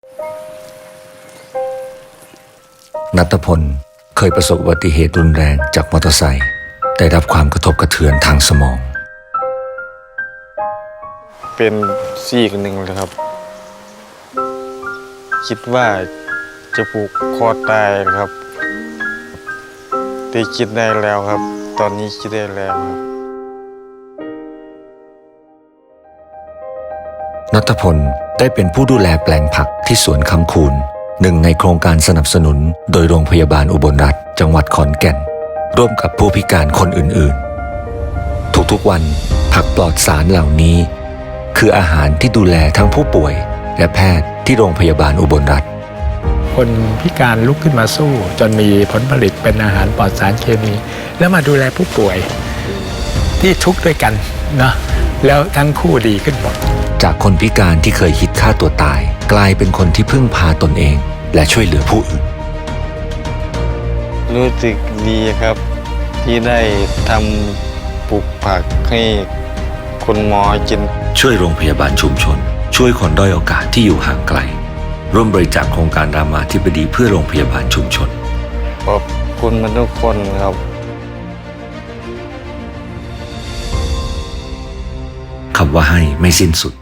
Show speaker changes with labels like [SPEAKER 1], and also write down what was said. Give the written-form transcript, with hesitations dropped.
[SPEAKER 1] ณัฐพลเคยประสบอุบัติเหตุรุนแรงจากมอเตอร์ไซค์ได้รับความกระทบกระเทือนทางสมอง
[SPEAKER 2] เป็นซีกหนึ่งเลยครับคิดว่าจะผูกคอตายครับแต่คิดได้แล้วครับ ตอนนี้คิดได้แล้วครับ
[SPEAKER 1] ณัฐพลได้เป็นผู้ดูแลแปลงผักที่สวนคำคูนหนึ่งในโครงการสนับสนุนโดยโรงพยาบาลอุบลรัตน์จังหวัดขอนแก่นร่วมกับผู้พิการคนอื่นๆทุกๆวันผักปลอดสารเหล่านี้คืออาหารที่ดูแลทั้งผู้ป่วยและแพทย์ที่โรงพยาบาลอุบลรัตน์
[SPEAKER 3] คนพิการลุกขึ้นมาสู้จนมีผลผลิตเป็นอาหารปลอดสารเคมีแล้วมาดูแลผู้ป่วยที่ทุกข์ด้วยกันนะแล้วทั้งคู่ดีขึ้นหมด
[SPEAKER 1] จากคนพิการที่เคยคิดฆ่าตัวตายกลายเป็นคนที่พึ่งพาตนเองและช่วยเหลือผู้อื่น
[SPEAKER 2] รู้สึกดีครับที่ได้ทำปลูกผักให้คนหมอกิน
[SPEAKER 1] ช่วยโรงพยาบาลชุมชนช่วยคนด้อยโอกาสที่อยู่ห่างไกลร่วมบริจาคโครงการรามาธิบดีเพื่อโรงพยาบาลชุมชน
[SPEAKER 2] ขอบคุณมันทุกคนครับ
[SPEAKER 1] คำว่าให้ไม่สิ้นสุด